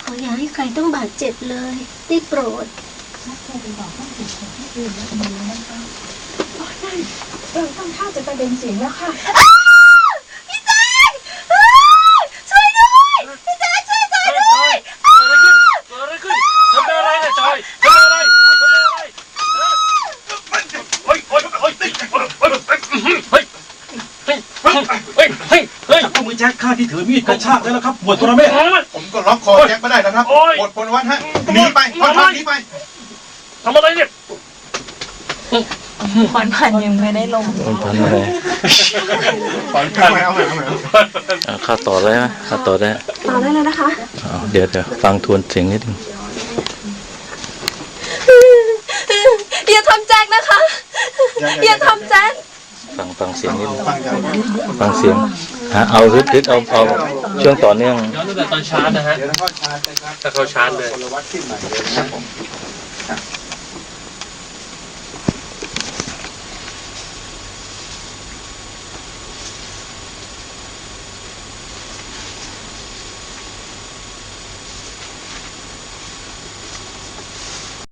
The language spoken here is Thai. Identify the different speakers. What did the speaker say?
Speaker 1: ออย่าให้ใครต้องบาดเจ็บเลยได้โปรด
Speaker 2: เราต้องท่าจะประเด็นเสียงแล้วค่ะ
Speaker 1: พี่แจ๊คช่วยด้วยพี่แจ๊คช่วยจอยด้วย
Speaker 3: เกิดอะไรขึ้นทำอะไรเนี่ยจอยทำอะไรเฮ้ย
Speaker 4: เอามือแจ็คข้าที่ถือมีดกระชากได้แล้วครับหมวดตัวเมฆ
Speaker 5: ผมก็ล็อกคอแจ็คไม่ได้นะครับหมดพลวัตฮะหนีไปหนีไป
Speaker 3: ทำอะไรเนี่ย
Speaker 2: ผ่อนผันยังไม่ได้ลง
Speaker 6: ผ่อนอะไรข้าต่อได้ไหมข้าต่อได้
Speaker 1: เลยนะคะ
Speaker 6: เดี๋ยวฟังทวนเสียงนิดนึง
Speaker 1: อย่าทำแจ็คนะคะอย่าทำแจ็ค
Speaker 6: ฟังเสียงนิดนึงฟังเสียงเอาฮึดเอาช่วงต่อเนื่อง
Speaker 3: ย้อนตั้งแต่ตอนชาร์จนะฮะถ้าเขาชาร์จเลย